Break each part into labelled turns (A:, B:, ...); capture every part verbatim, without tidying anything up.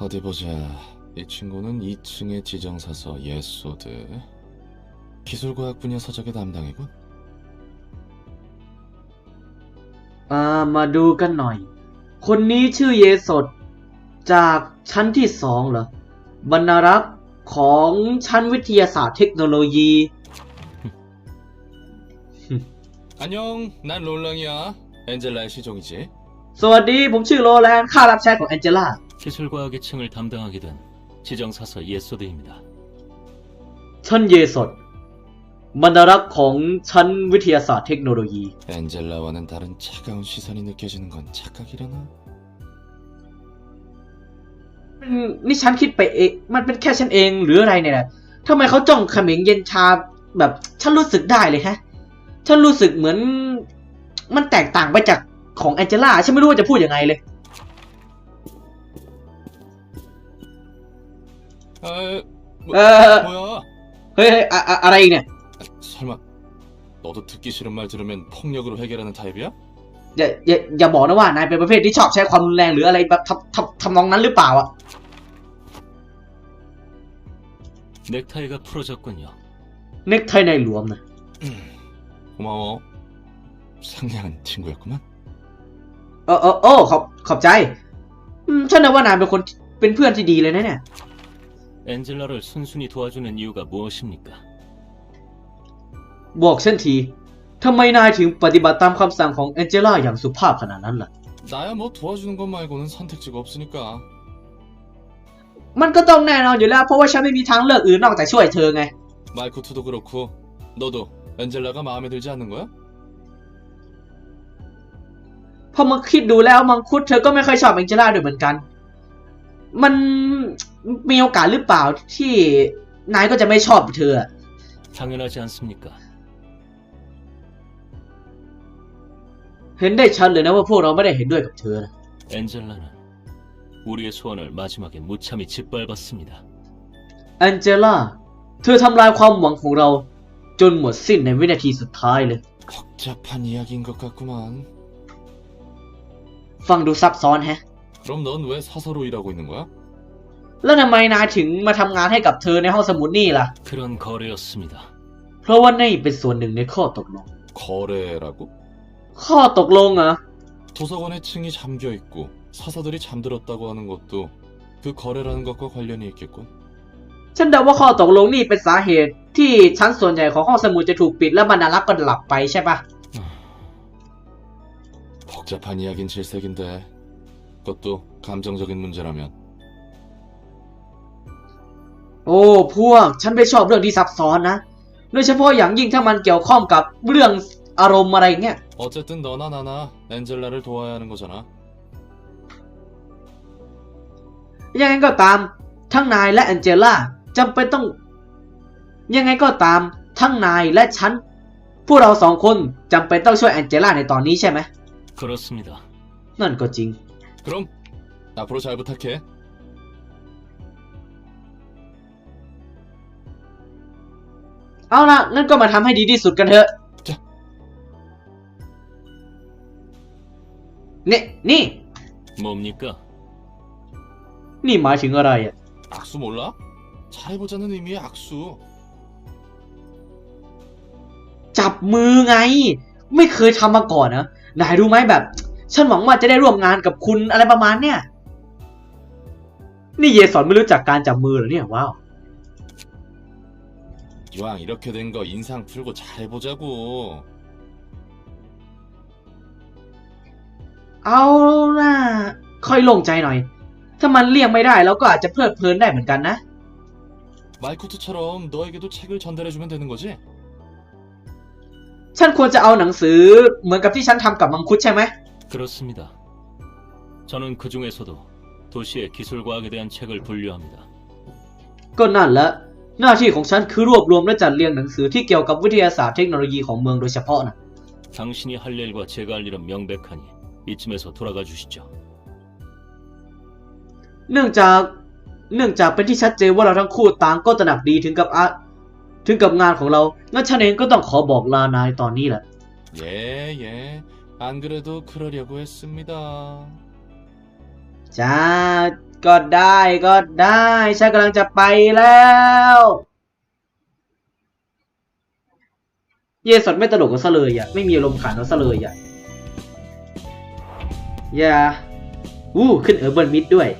A: 어디 보자. 이 친구는 이 층의 지정사서 예소드. 기술과학 분야 서적의 담당이군.
B: อ่ามาดูกันหน่อยคนนี้ชื่อเยสดจากชั้นที่สองเหรอบรรณารักษ์ของชั้นวิทยาศาสตร์เทคโนโลยี
A: 안녕, 난 롤랑이야. 엔젤라의 시종이지.
B: สวัสดีผมชื่อโรแลนด์ข้ารับใช้ของแองเจล่า
C: 기술과학의 층을 담당하게 된 지정사서 예소드입니다.
B: ชั้นเยสดบรรณารักษ์ของชั้นวิทยาศาสตร์เทคโนโลยี
A: 엔젤라와는 다른 차가운 시선이 느껴지는 건 착각이려나?
B: นี่ฉันคิดไปเองมันเป็นแค่ฉันเองหรืออะไรเนี่ยทำไมเขาจ้องเขม็งเย็นชาแบบฉันรู้สึกได้เลยฮะฉันรู้สึกเหมือนมันแตกต่างไปจากของแองเจล่าฉันไม่รู้ว่าจะพูดยังไงเลย
A: 아, 뭐,
B: 어...
A: 뭐야?
B: เฮ้ยอะอะอะไรอีกเนี่ย
A: 설마 너도 듣기 싫은 말 들으면 폭력으로 해결하는 타입이야?
B: อย่าอย่าอย่าบอกนะว่านายเป็นประเภทที่ชอบใช้ความรุนแรงหรืออะไรแบบทำทำทำนองนั้นหรือเปล่าอะ
C: 넥타이가 풀어졌군요.
B: เน็กไทในหลวมนะ
A: 고마워. 상냥한 친구였구만.
B: เออเออโอ้ขอบขอบใจอืมฉันนึกว่านายเป็นคนเป็นเพื่อนที่ดีเลยนะเนี่ย
C: 엔젤라를 순순히 도와주는 이유가 무엇입니까?
B: บอกฉันทีทำไมนายถึงปฏิบัติตามคำสั่งของแองเจล่าอย่างสุภาพขนาดนั้นล่ะ
A: 나야 뭐 도와주는 것 말고는 선택지가 없으니까.
B: มันก็ต้องแน่นอนอยู่แล้วเพราะว่าฉันไม่มีทางเลือกอื่นนอกจากช่วยเธอไง
A: 마이코트도 그렇고 너도 엔젤라가 마음에 들지 않는 거야?
B: พอมาคิดดูแล้วมังคุดเธอก็ไม่ค่อยชอบแองเจล่าด้วยเหมือนกันมันมีโอกาสหรือเปล่าที่นายก็จะไม่ชอบเธอ
C: 당연하지 않습니까?
B: เห็นได้ชัดเลยนะว่าพวกเราไม่ได้เห็นด้วยกับเธอนะ
C: 엔젤라는 우리의 소원을 마지막에 무참히 짓밟았습니다.
B: แองเจล่าเธอทำลายความหวังของเราจนหมดสิ้นในวินาทีสุดท้ายเลย
A: 복잡한 이야기인 것 같구만.
B: ฟังดูซับซ้อนแฮะ
A: 그럼 넌 왜 사서로 일하고 있는 거야?
B: แล้วทำไมนายถึงมาทำงานให้กับเธอในห้องสมุดนี่ล่ะ
C: 그런 거래였습니다.
B: เพราะว่านี่เป็นส่วนหนึ่งในข้อตกลง
A: 거래라고?
B: ข้อตกลงเหรอ
A: 도서관에 층이 잠겨 있고 사서들이 잠들었다고 하는 것도 그 거래라는 것과 관련이 있겠군.
B: ฉันเดาว่าข้อตกลงนี่เป็นสาเหตุที่ชั้นส่วนใหญ่ของห้องสมุดจะถูกปิดและบรรณารักษ์ก็หลับไปใช่ปะ
A: 복잡한 이야긴 질색인데 그것도 감정적인 문제라면.
B: โอ้พวกฉันไม่ชอบเรื่องที่ซับซ้อนนะโดยเฉพาะอย่างยิ่งถ้ามันเกี่ยวข้องกับเรื่องอารมณ์อะไรเงี้ย
A: 어쨌든 너나 나나 엔젤라를 도와야 하는 거잖아.
B: ยังไงก็ตามทั้งนายและแองเจล่าจำเป็นต้องยังไงก็ตามทั้งนายและฉันพวกเราสองคนจำเป็นต้องช่วยแองเจล่าในตอนนี้ใช่ไหม
C: 그렇습니다.
B: นั่นก็จริง
A: 그럼 앞으로 잘 부탁해.
B: เอาล่ะงั้นก็มาทำให้ดีที่สุดกันเถอะ
A: จ้ะ
B: นี่นี่
C: 뭡니까?
B: นี่หมายถึงอะไรอ่ะ
A: 악수 몰라? 잘해보자는 의미의 악수.
B: จับมือไงไม่เคยทำมาก่อนนะนายรู้ไหมแบบฉันหวังว่าจะได้ร่วมงานกับคุณอะไรประมาณเนี้ยนี่เยสอนไม่รู้จักการจับมือเหรอเนี่ยว้าว
A: 이왕 이렇게 된 거 인상 풀고 잘해보자고.
B: เอาล่ะค่อยโล่งใจหน่อยถ้ามันเลี่ยงไม่ได้เราก็อาจจะเพลิดเพลินได้เหมือนกันนะ
A: 마이코트처럼 너에게도 책을 전달해주면 되는 거지?
B: ฉันควรจะเอาหนังสือเหมือนกับที่ฉันทำกับมังคุดใช่ไหม
C: 그렇습니다. 저는 그 중에서도 도시의 기술과학에 대한 책을 분류합니다.
B: ก็นั่นแหละหน้าที่ของฉันคือรวบรวมและจัดเรียงหนังสือที่เกี่ยวกับวิทยาศาสตร์เทคโนโลยีของเมืองโดยเฉพาะนะ
C: 당신이 할 일과 제가 할 일은 명백하니 이쯤에서 돌아가 주시죠.
B: เนื่องจากเนื่องจากเป็นที่ชัดเจนว่าเราทั้งคู่ต่างก็ตระหนักดีถึงกับอะถึงกับงานของเรางั้นฉันเองก็ต้องขอบอกลานายตอนนี้แหละ
A: 예, 예. 안 그래도 그러려고 했습니다.
B: จ้าก็ได้ก็ได้ฉันกำลังจะไปแล้วเย่สดไม่ตลกกันซะเลยอ่ะไม่มีอารมณ์ขันกันซะเลยอ่ะอย่าอู้ขึ้นเออร์เบิร์นมิดด้วย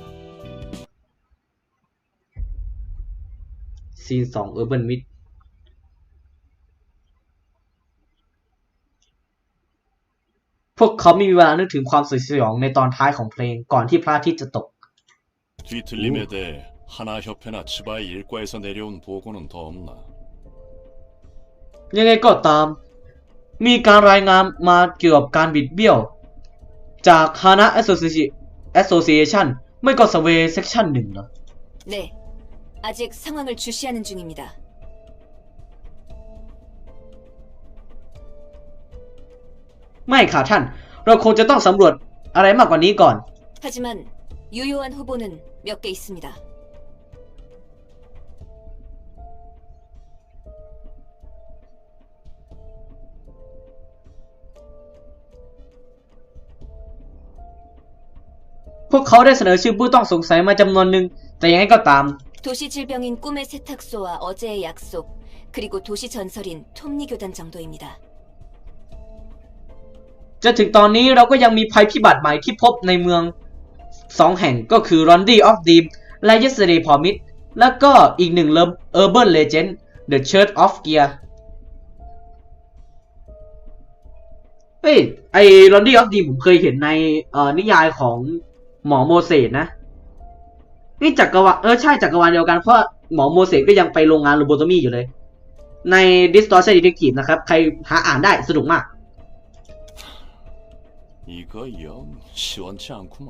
B: ซีนสองเออร์เบิร์นมิดพวกเขาไม่มีเวลานึกถึงความสยองในตอนท้ายของเพลงก่อนที่พระอาทิตย์จะตก
D: 뒤틀림에 대해 하나협회나 치바의 일과에서 내려온 보고는 더 없나?
B: ยังไงก็ตามมีการรายงานมาเกี่ยวกับการบิดเบี้ยวจาก Hana Association ไม่ก็ Survey Section หนึ่งเหรอ
E: 네, 아직 상황을 주시하는 중입니다.
B: ไม่ค่ะท่าน เราคงจะต้องสำรวจอะไรมากกว่านี้ก่อน
E: 하지만 유효한 후보는 몇 개 있습니다. พวกเขาได้เสนอชื่อผู้ต้องสงสัยมาจำนวนหนึ่งแต่ยังไงก็ตาม 도시 질병인 꿈의 세탁소와 어제의 약속, 그리고 도시 전설인 톱니 교단 정도입니다.
B: จนถึงตอนนี้เราก็ยังมีภัยพิบัติใหม่ที่พบในเมืองสองแห่งก็คือ Rondi of Dream และ Yesterday Promise แล้วก็อีกหนึ่ง Urban Legend The Church of Gear เฮ้ยไอ้ Rondi of Dream ผมเคยเห็นในเอ่อนิยายของหมอโมเสสนะนี่จักรวาลเออใช่จักรวาลเดียวกันเพราะหมอโมเสสก็ยังไปโรงงานโลโบโตมีอยู่เลยใน Distortion Detective นะครับใครหาอ่านได้สนุกมาก
D: 이거 영 시원치 않구만.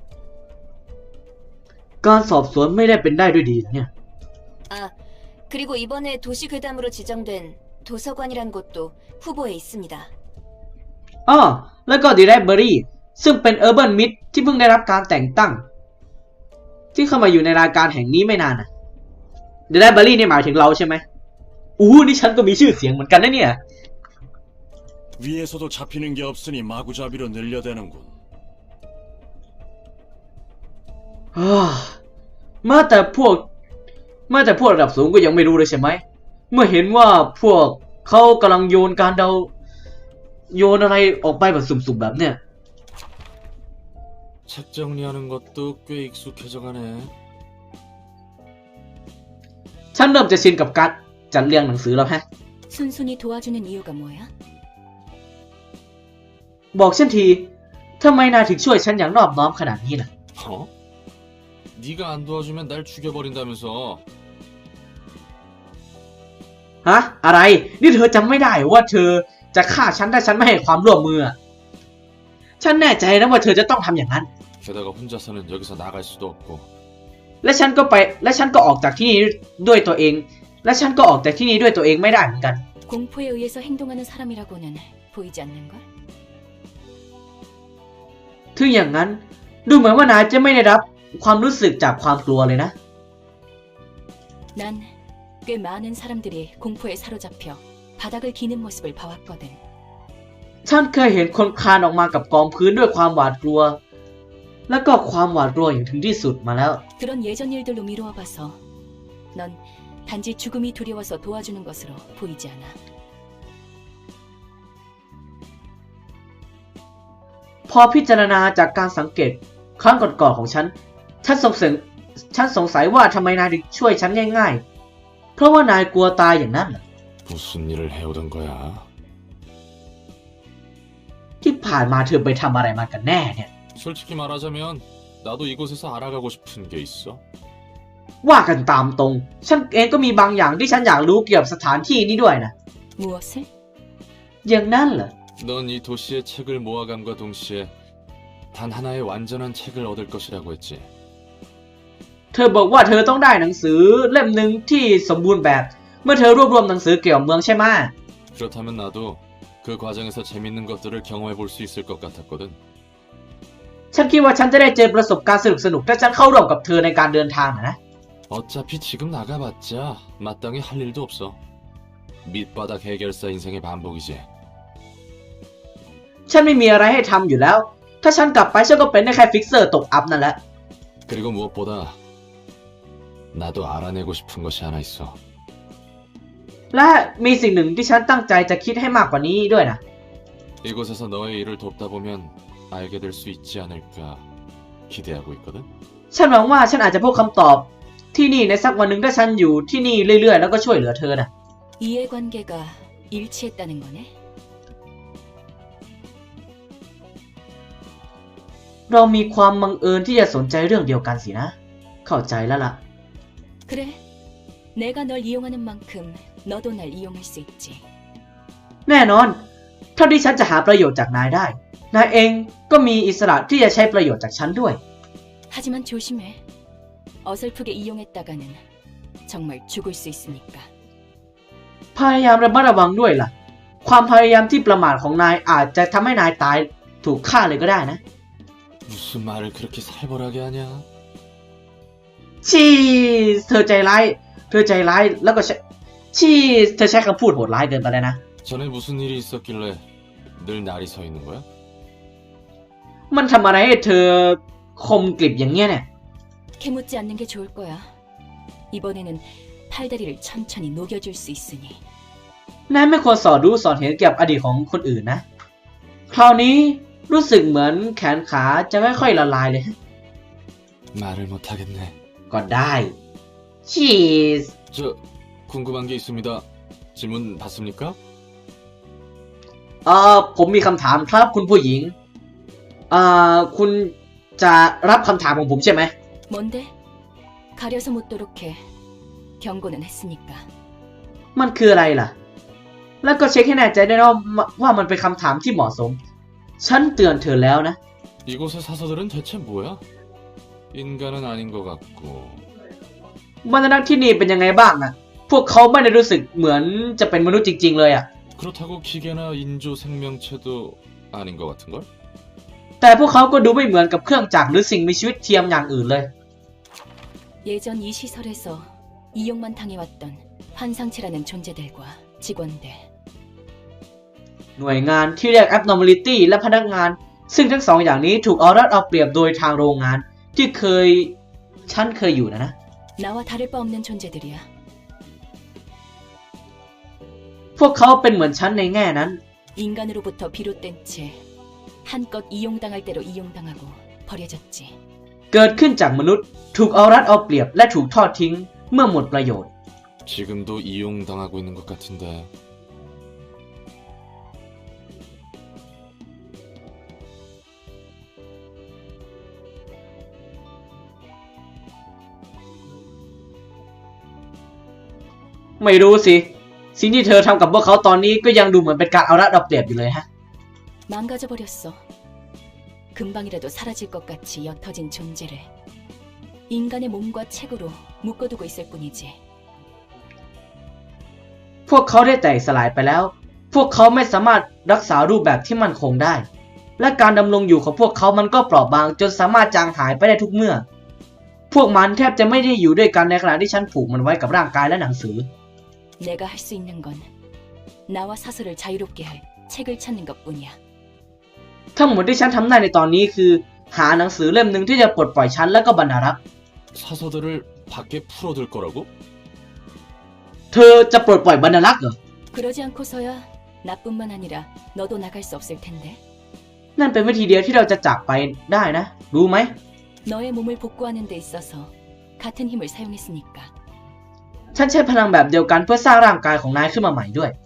B: การสอบสวนไม่ได้เป็นได้ด้วยดีนะเนี่ย
E: 아, 그리고 이번에 도시 괴담으로 지정된 도서관이란 곳도 후보에 있습니다.
B: อ้อแล้วก็ The Library ซึ่งเป็น Urban Myth ที่เพิ่งได้รับการแต่งตั้งที่เข้ามาอยู่ในรายการแห่งนี้ไม่นานนะ The Library นี่หมายถึงเราใช่ไหมอู้นี่ฉันก็มีชื่อเสียงเหมือนกันนะเนี่ย
D: 위에서도 잡히는 게 없으니 마구잡이로 늘려대는군.
B: อ้ามาแต่พวกมาแต่พวกระดับสูงก็ยังไม่รู้เลยใช่ไหมเมื่อเห็นว่าพวกเขากำลังโยนการเดาโยนอะไรออกไปแบบสุ่มๆแบบเนี้ย
A: 책 정리하는 것도 꽤 익숙해져 가네.
B: ฉันเริ่มจะชินกับการจัดเรียงหนังสือแล้วฮะ
E: 순순히 도와주는 이유가 뭐야?
B: บอกฉันทีทำไมนายถึงช่วยฉันอย่างนอบน้อมขนาดนี้ล่ะ
A: 어? 네가 안 도와주면 날 죽여버린다면서.
B: ฮะอะไรนี่เธอจำไม่ได้ว่าเธอจะฆ่าฉันถ้าฉันไม่ให้ความร่วมมือฉันแน่ใจนะว่าเธอจะต้องทำอย่างนั้น
A: 게다가 혼자서는 여기서 나갈 수도 없고.
B: และฉันก็ไปและฉันก็ออกจากที่นี่ด้วยตัวเองและฉันก็ออกจากที่นี่ด้วยตัวเองไม่ได้เหมือนกัน
E: 공포에 의해서 행동하는 사람이라고는 보이지 않는걸?
B: ถึงอย่างนั้นดูเหมือนว่านายจะไม่ได้รับความรู้สึกจากความกลัวเลยนะ
E: 난 꽤 많은 사람들이 공포에 사로잡혀 바닥을 기는 모습을 봐왔거든.
B: ฉันเคยเห็นคนคลานออกมากับกองพื้นด้วยความหวาดกลัวและก็ความหวาดกลัวอย่างถึงที่สุดมาแล้ว
E: 그런 예전 일들로 미루어봐서 넌 단지 죽음이 두려워서 도와주는 것으로 보이지 않아.
B: พอพิจารณาจากการสังเกตครั้งก่อนๆของฉันฉันสงสัยฉันสงสัยว่าทำไมนายถึงช่วยฉันง่ายๆเพราะว่านายกลัวตายอย่างนั้นเหรอ
A: 무슨 일을 해오던 거야?
B: ที่ผ่านมาเธอไปทำอะไรมากันแน่เนี่ย
A: 솔직히 말하자면 나도 이곳에서 알아가고 싶은 게 있어.
B: ว่ากันตามตรงฉันเองก็มีบางอย่างที่ฉันอยากรู้เกี่ยวกับสถานที่นี้ด้วยนะ
E: 무엇을?
B: อย่างนั้นเหรอ
A: 넌 이 도시의 책을 모아감과 동시에 단 하나의 완전한 책을 얻을 것이라고 했지.
B: เธอบอกว่าเธอต้องได้หนังสือเล่มหนึ่งที่สมบูรณ์แบบเมื่อเธอรวบรวมหนังสือเกี่ยวกับเมืองใช่ไหม
A: 그렇다면 나도 그 과정에서 재밌는 것들을 경험해 볼 수 있을 것 같았거든.
B: ฉันคิดว่าฉันจะได้เจอประสบการณ์สนุกๆถ้าฉันเข้าร่วมกับเธอในการเดินทางนะ
A: 어차피 지금 나가봤자 마땅히 할 일도 없어. 밑바닥 해결사 인생의 반복이지.
B: ฉันไม่มีอะไรให้ทำอยู่แล้วถ้าฉันกลับไปฉันก็เป็นได้แค่ฟิกเซอร์ตกอัพนั่นแหละ
A: 그리고 무엇보다 나도 알아내고 싶은 것이 하나 있어.
B: และมีสิ่งหนึ่งที่ฉันตั้งใจจะคิดให้มากกว่านี้ด้วยนะ
A: 이곳에서 너의 일을 돕다 보면 알게 될 수 있지 않을까 기대하고 있거든.
B: ฉันหวังว่าฉันอาจจะพบคำตอบที่นี่ในสักวันหนึ่งถ้าฉันอยู่ที่นี่เรื่อยๆแล้วก็ช่วยเหลือเธอนะ
E: 이해관계가 일치했다는 거네.
B: เรามีความบังเอิญที่จะสนใจเรื่องเดียวกันสินะ เข้าใจแล้วล่ะ
E: 그래. 내가 널 이용하는 만큼 너도 날 이용할 수 있지.
B: แน่นอนเท่าที่ฉันจะหาประโยชน์จากนายได้ นายเองก็มีอิสระที่จะใช้ประโยชน์จากฉันด้วย
E: 하지만 조심해. 어설프게 이용했다가는 정말 죽을 수 있으니까.
B: พยายามระมัดระวังด้วยล่ะ ความพยายามที่ประมาทของนายอาจจะทำให้นายตายถูกฆ่าเลยก็ได้นะ
A: 무슨 말을 그렇게 살벌하게 하냐?
B: ชีสเธอใจร้าย เธอใจร้ายแล้วก็ใช้ชีสเธอใช้คำพูดโหดร้ายเกินไปแล้วนะ
A: 전에 무슨 일이 있었길래 늘 날이 서 있는 거야?
B: มันทำอะไรให้เธอคมกริบอย่างเงี้ยเนี่ย
E: 캐묻지 않는 게 좋을 거야. 이번에는 팔다리를 천천히 녹여줄 수 있으니.
B: นายไม่ควรสอดรู้สอดเห็นเกี่ยวกับอดีตของคนอื่นนะ คราวนี้รู้สึกเหมือนแขนขาจะค่อยๆละลายเลย
A: 말을 못하겠네.
B: ก็ได้ ชีส
A: 저 궁금한 게 있습니다. 질문 받습니까?
B: เอ่อผมมีคำถามครับคุณผู้หญิงเอ่อคุณจะรับคำถามของผมใช่ไหม
E: 뭔데? 가려서 묻도록 해. 경고는 했으니까.
B: มันคืออะไรล่ะ แล้วก็เช็คให้แน่ใจด้วยนะว่ามันเป็นคำถามที่เหมาะสม ฉันเตือนเธอแล้วนะ
A: 이곳의 사서들은 대체 뭐야? 인간은 아닌 것 같고.
B: บรรดาที่นี่เป็นยังไงบ้างนะพวกเขาไม่ได้รู้สึกเหมือนจะเป็นมนุษย์จริงๆเลยอะ
A: 그렇다고 기계나 인조 생명체도 아닌 것 같은걸?
B: แต่พวกเขาก็ดูไม่เหมือนกับเครื่องจักรหรือสิ่งมีชีวิตเทียมอย่างอื่นเลย
E: 예전 이 시설에서 이용만 당해왔던 환상체라는 존재들과 직원들.
B: หน่วยงานที่เรียก abnormality และพนักงาน ซึ่งทั้งสองอย่างนี้ถูกเอารัดเอาเปรียบโดยทางโรงงานที่เคยฉันเคยอยู่นะนะ
E: 나와 다를 바 없는 존재들이야.
B: พวกเขาเป็นเหมือนฉันในแง่นั้น
E: 인간으로부터 비롯된 채 한껏 이용당할 대로 이용당하고 버려졌지.
B: เกิดขึ้นจากมนุษย์ถูกเอารัดเอาเปรียบและถูกทอดทิ้งเมื่อหมดประโยชน์
A: 지금도 이용당하고 있는 것 같은데.
B: ไม่รู้สิ สิ่งที่เธอทำกับพวกเขาตอนนี้ก็ยังดูเหมือนเป็นการเอารัดเอาเปรียบอยู่เลยฮะ
E: 망가져버렸어. 금방이라도 사라질 것 같이 옅어진 존재를 인간의 몸과 책으로 묶어두고 있을 뿐이지.
B: พวกเขาได้แตกสลายไปแล้ว พวกเขาไม่สามารถรักษารูปแบบที่มั่นคงได้ และการดำรงอยู่ของพวกเขามันก็เปราะบางจนสามารถจางหายไปได้ทุกเมื่อ พวกมันแทบจะไม่ได้อยู่ด้วยกันในขณะที่ฉันผูกมันไว้กับร่างกายและหนังสือ
E: 내가 할 수 있는 건 나와 사설을 자유롭게 할 책을 찾는 것뿐이야.
B: ทั้งหมดที่ฉันทำได้ในตอนนี้คือ หาหนังสือเล่มหนึ่งที่จะปลดปล่อยฉันและก็บรรณารักษ์
A: 사서들을 밖에 풀어둘 거라고?
B: เธอจะปลดปล่อยบรรณารักษ์เหรอ
E: 그러지 않고서야 나뿐만 아니라 너도 나갈 수 없을 텐데.
B: นั่นเป็นวิธีเดียวที่เราจะจากไปได้นะ รู้ไหม
E: 너의 몸을 복구하는 데 있어서 같은 힘을 사용했으니까.
B: ฉันใช้พลังแบบเดียวกันเพื่อสร้างร่างกายของนายขึ้นมาใหม่ด้วย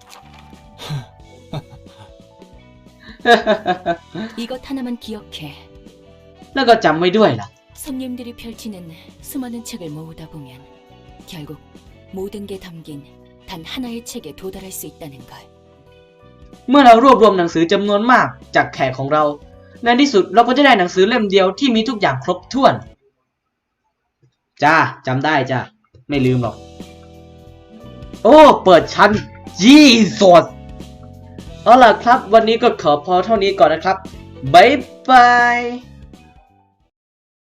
E: 이것 하나만 기억해.
B: แล้วก็จำไว้ด้วยล่ะ
E: 손님들이 펼치는 수많은 책을 모으다 보면 결국 모든 게 담긴 단 하나의 책에 도달할 수 있다는 걸.
B: เมื่อเรารวบรวมหนังสือจำนวนมากจากแขกของเรา ในที่สุดเราก็จะได้หนังสือเล่มเดียวที่มีทุกอย่างครบถ้วน จ้าจำได้จ้าไม่ลืมหรอก โอ้เปิดชั้นจีสดเอาล่ะครับวันนี้ก็ขอพอเท่านี้ก่อนนะครับบ๊ายบาย